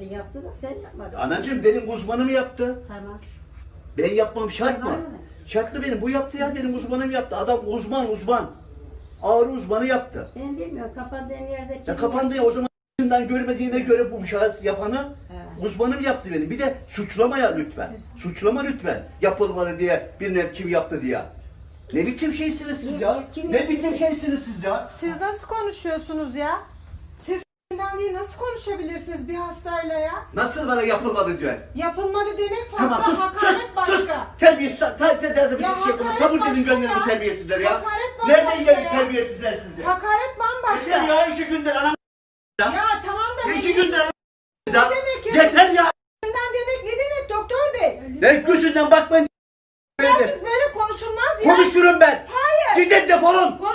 Yaptı da sen yapmadın. Anacığım benim uzmanım yaptı. Tamam. Ben yapmam şart mı? Var mı? Şartlı benim. Bu yaptı ya, benim uzmanım yaptı. Adam uzman. Ağrı uzmanı yaptı. Ben bilmiyorum kapandığın yerde. Ya kapandı ya, o zaman görmediğine göre bu şahıs yapanı uzmanım yaptı benim. Bir de suçlama ya lütfen. Suçlama lütfen. Yapılmalı diye, bilmem kim yaptı diye. Ne biçim şeysiniz siz ya? Ne biçim şeysiniz siz ya? Siz nasıl konuşuyorsunuz ya? Siz değil nasıl konuşabilirsiniz bir hastayla ya? Nasıl bana yapılmadı diyor. Yapılmadı demek farklı, Tamam sus hakaret başka. sus. Terbiyesiz. hakaret Kabul başka edin gönderin ya. terbiyesizler ya. Hakaret bambaşka Nereden geldi ya. terbiyesizler sizi? Hakaret bambaşka. Yeter ya, 2 gündür anam. Ya tamam da 2 gündür anam. ne demek ya? Yeter ya. Demek ne demek doktor bey? Ben gözünden bakmayın. Ya siz böyle konuşulmaz ya. Konuşurum ben. Hayır. Gidin defolun.